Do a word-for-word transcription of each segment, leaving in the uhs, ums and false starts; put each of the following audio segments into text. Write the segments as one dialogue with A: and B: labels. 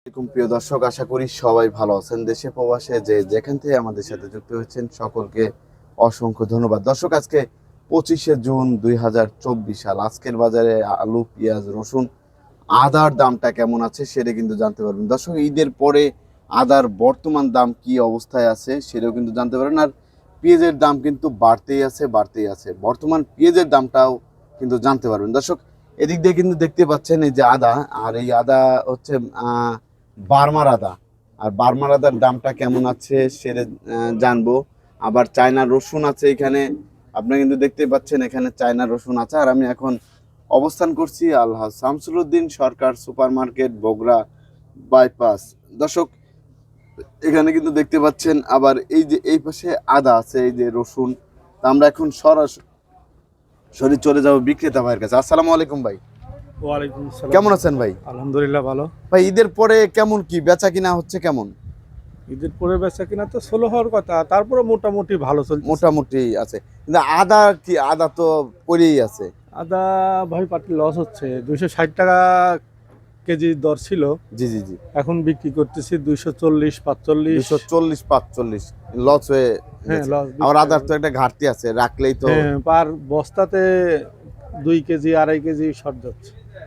A: এরকম প্রিয় দর্শক, আশা করি সবাই ভালো আছেন। দেশে প্রবাসে যে যেখান থেকে আমাদের সাথে যুক্ত হয়েছেন সকলকে অসংখ্য ধন্যবাদ। দর্শক, আজকে পঁচিশে জুন দুই হাজার চব্বিশ সাল। আজকের বাজারে আলু, পেঁয়াজ, রসুন, আদার দামটা কেমন আছে সেটা কিন্তু জানতে পারবেন। দর্শক, ঈদের পরে আদার বর্তমান দাম কি অবস্থায় আছে সেটাও কিন্তু জানতে পারবেন। আর পেঁয়াজের দাম কিন্তু বাড়তেই আছে বাড়তেই আছে বর্তমান পেঁয়াজের দামটাও কিন্তু জানতে পারবেন। দর্শক, এদিক দিয়ে কিন্তু দেখতে পাচ্ছেন এই যে আদা, আর এই আদা হচ্ছে আহ বার্মার আদা। আর বার্মার আদার দামটা কেমন আছে সেটা জানবো। আবার চায়না রসুন আছে এখানে, আপনি কিন্তু দেখতে পাচ্ছেন এখানে চায়না রসুন আছে। আর আমি এখন অবস্থান করছি Alhaj Shamsuluddin Sarkar super market, Bogura bypass. দর্শক, এখানে কিন্তু দেখতে পাচ্ছেন আবার এই যে এই পাশে আদা আছে, এই যে রসুন। তা আমরা এখন সরাসরি চলে যাবো বিক্রেতা ভাইয়ের কাছে। আসসালামু আলাইকুম ভাই।
B: ওয়ালাইকুম আসসালাম।
A: কেমন আছেন ভাই?
B: আলহামদুলিল্লাহ ভালো।
A: ভাই, ঈদের পরে কেমন কি বেচা কিনা হচ্ছে কেমন?
B: ঈদের পরে বেচা কিনা তো ষোলো হওয়ার কথা, তারপরে মোটামুটি ভালো চলছে।
A: মোটামুটি আছে, কিন্তু আদা কি, আদা তো পড়েই আছে।
B: আদা ভাই পাটি লস হচ্ছে। দুইশো ষাট টাকা কেজি দর ছিল,
A: জি জি জি
B: এখন বিক্রি করতেছি দুইশো চল্লিশ পাঁচচল্লিশ।
A: দুশো চল্লিশ পাঁচচল্লিশ লস হয়ে
B: হ্যাঁ
A: গেছে।
B: লস।
A: আর আদার তো একটা ঘাটতি আছে, রাখলেই তো
B: হ্যাঁ, পার বস্তাতে দুই কেজি আড়াই কেজি শর্ট যাচ্ছে।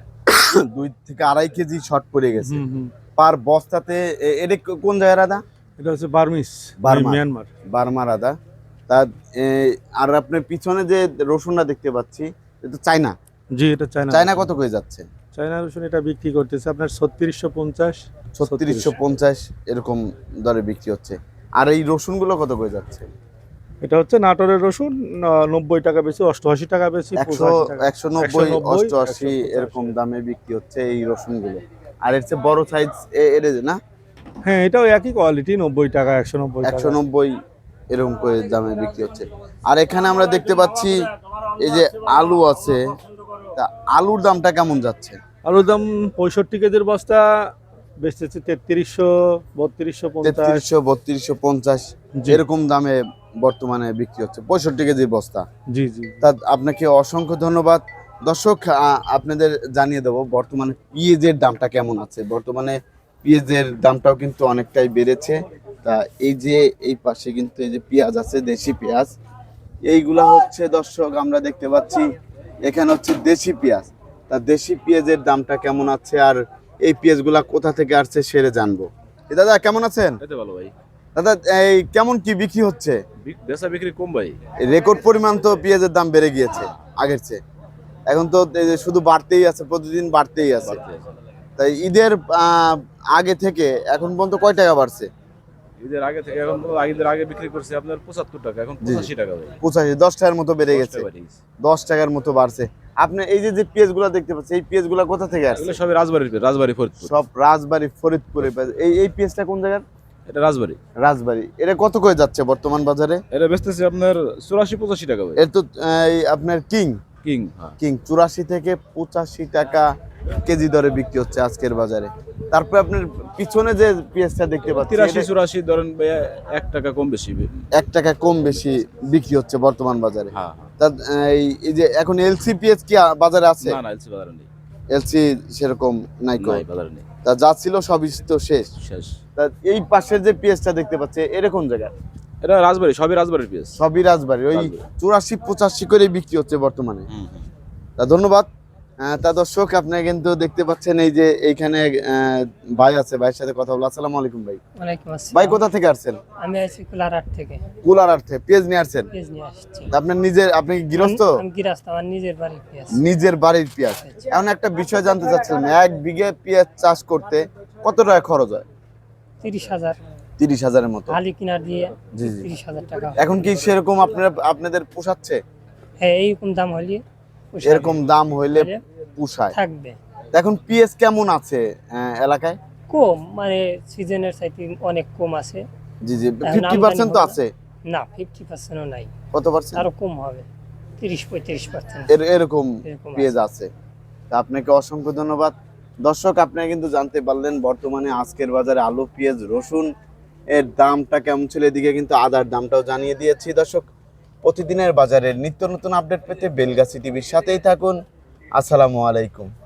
A: দুই থেকে আড়াই কেজি শর্ট পড়ে গেছে
B: হুম হুম।
A: পার বস্তাতে। এ- এটা কোন জায়গার আদা?
B: এটা হচ্ছে বার্মিস,
A: বার্মা।
B: মিয়ানমার।
A: বার্মার আদা। তা এ, আর আপনার পিছনে যে রসুনটা দেখতে পাচ্ছি এটা চায়না।
B: জি, এটা চায়না।
A: চায়না কত করে যাচ্ছে?
B: চায়না রসুন এটা বিক্রি করতেছে আপনার ছত্রিশশো পঞ্চাশ
A: ছত্রিশশো পঞ্চাশ এরকম দরে বিক্রি হচ্ছে। আর এই রসুনগুলো কত করে যাচ্ছে?
B: এটা হচ্ছে নাটোরের রসুন, ন- নব্বই টাকা বেশি, অষ্টআশি টাকা বেশি,
A: একশো একশো নব্বই অষ্টআশি এরকম দামে বিক্রি হচ্ছে এই রসুনগুলো। আর এর চেয়ে বড় সাইজ এর না?
B: হ্যাঁ, এটাও একই কোয়ালিটি, নব্বই টাকা, একশো নব্বই
A: একশো
B: টাকা।
A: নব্বই এরকম করে দামে বিক্রি হচ্ছে। আর এখানে আমরা দেখতে পাচ্ছি এই যে আলু আছে, তা আলুর দামটা কেমন যাচ্ছে?
B: আলুর দাম পঁয়ষট্টি কেজির বস্তা বেচতেছে তেত্রিশশো, বত্রিশশো পঞ্চাশ।
A: তেত্রিশশো বত্রিশশো পঞ্চাশ
B: জি।
A: এরকম দামে বর্তমানে বিক্রি হচ্ছে পঁয়ষট্টি কেজির বস্তা।
B: জি জি।
A: তা আপনাকে অসংখ্য ধন্যবাদ। দর্শক, আ- আপনাদের জানিয়ে দেবো বর্তমানে পেঁয়াজের দামটা কেমন আছে। বর্তমানে পেঁয়াজের দামটাও কিন্তু অনেকটাই বেড়েছে। তা এই যে এই পাশে কিন্তু এই যে পেঁয়াজ আছে, দেশি পেঁয়াজ, এইগুলা হচ্ছে দর্শক আমরা দেখতে পাচ্ছি এখানে হচ্ছে দেশি পেঁয়াজ। তা দেশি পেঁয়াজের দামটা কেমন আছে আর এই পেঁয়াজগুলা কোথা থেকে আসছে সেটা জানবো। এ দাদা, কেমন আছেন?
C: এই তো ভালো ভাই।
A: দাদা, এই কেমন কি বিক্রি হচ্ছে?
C: বিক- বেচা বিক্রি কম ভাই।
A: রেকর্ড পরিমাণ তো পেঁয়াজের দাম বেড়ে গিয়েছে আগের চেয়ে। এখন তো এই যে শুধু বাড়তেই আছে, প্রতিদিন বাড়তেই আছে।
C: বাড়তি আছে।
A: তাই ঈদের আহ, আগে থেকে এখন পর্যন্ত কয় টাকা বাড়ছে?
C: ঈদের আগে থেকে এখন তো ঈদের আগে বিক্রি করছে আপনার পঁচাত্তর টাকা, এখন
A: জি।
C: পঁচাশি টাকা ভাই।
A: পঁচাশি, দশ টাকার মতো বেড়ে
C: দশ
A: গেছে।
C: টাকা বেড়ে গেছে।
A: দশ টাকার মতো বাড়ছে। আপনি এই যে যে পেঁয়াজগুলো দেখতে পাচ্ছেন, এই পেঁয়াজগুলো কোথা থেকে আসছে?
C: এগুলো সবই রাজবাড়ির পেঁয়াজ, রাজবাড়ি ফরিদপুর।
A: সব রাজবাড়ি ফরিদপুরে পেঁয়াজ। এই এই পেঁয়াজটা কোন জায়গার?
C: এটা রাজবাড়ি।
A: রাজবাড়ি। এটা কত করে যাচ্ছে বর্তমান বাজারে?
C: এটা বেচতেছে আপনার চুরাশি পঁচাশি টাকা ভাই।
A: এর তো এই আপনার কিং
C: কিং, হ্যাঁ।
A: কিং চুরাশি থেকে পঁচাশি টাকা কেজি দরে বিক্রি হচ্ছে আজকের বাজারে। তারপরে আপনার পিছনে যে পেঁয়াজটা দেখতে পাচ্ছি,
C: তিরাশি
A: এটা
C: চুরাশি ধরেন ভাই, এক টাকা কম বেশি।
A: এক টাকা কম বেশি বিক্রি হচ্ছে বর্তমান বাজারে।
C: হ্যাঁ।
A: তা এই এই যে এখন এলসি পেঁয়াজ কি আ- বাজারে আছে?
C: না না, এলসি বাজারে নেই।
A: এলসি সেরকম নাই কো।
C: নাই, বাজারে নেই,
A: তা যা ছিল সবই তো শেষ।
C: শেষ।
A: তা এই পাশের যে পেঁয়াজটা দেখতে পাচ্ছি এরকম জায়গা,
C: এটা রাজবাড়ি, সবই রাজবাড়ির পেঁয়াজ।
A: সবই রাজবাড়ি। ওই
C: রাজবাড়ি।
A: চুরাশি পঁচাশি করে বিক্রি হচ্ছে বর্তমানে।
C: হুম, হুম।
A: তা ধন্যবাদ। আহ, তা দর্শক, আপনি কিন্তু দেখতে পাচ্ছেন এই যে এইখানে আহ, ভাই আছে, ভাইয়ের সাথে কথা বলবো। আসসালামু আলাইকুম ভাই।
D: ওয়ালাইকুম আসসালাম।
A: ভাই, কোথা থেকে আসছেন?
D: আমি আছি কুলারহাট থেকে।
A: কুলারহাট থেকে পেঁয়াজ নিয়ে আসছেন?
D: পেঁয়াজ নিয়ে আসছি।
A: তা আপনার নিজের, আপনি কি গৃহস্থ?
D: আমি গৃহস্থ, আমার নিজের বাড়ির পেঁয়াজ।
A: নিজের বাড়ির পেঁয়াজ। এখন একটা বিষয় জানতে চাচ্ছিলাম, এক বিঘে পেঁয়াজ চাষ করতে কত টাকা খরচ হয়?
D: তিরিশ হাজার
A: তিরিশ হাজারের মতো।
D: হালি কিনার দিয়ে
A: জি জি।
D: তিরিশ হাজার টাকা।
A: এখন কি সেরকম আপনারা আপনাদের পোষাচ্ছে?
D: হ্যাঁ, এইরকম দাম হলে পোষাবে,
A: এরকম দাম হইলে
D: হলে
A: পোষায়।
D: থাকবে।
A: তা এখন পেঁয়াজ কেমন আছে আহ, এলাকায়?
D: কম, মানে সিজনের চাইতে অনেক কম আছে।
A: জি জি,
D: এখন
A: ফিফটি পার্সেন্ট তো
D: আমদানি
A: আছে।
D: না, ফিফটি পার্সেন্টও নাই,
A: কত পার্সেন্ট?
D: আরো কম হবে, তিরিশ পঁয়ত্রিশ পার্সেন্ট
A: এর- এরকম
D: এরকম
A: পেঁয়াজ আছে। তা আপনাকে অসংখ্য ধন্যবাদ। দর্শক, আপনারা কিন্তু জানতে পারলেন বর্তমানে আজকের বাজারে আলু, পেঁয়াজ, রসুন এর দামটা কেমন ছিল। এদিকে কিন্তু আদার দামটাও জানিয়ে দিয়েছি। দর্শক, প্রতিদিনের বাজারের নিত্য নতুন আপডেট পেতে বেলগাছি টিভির সাথেই থাকুন। আসসালামু আলাইকুম।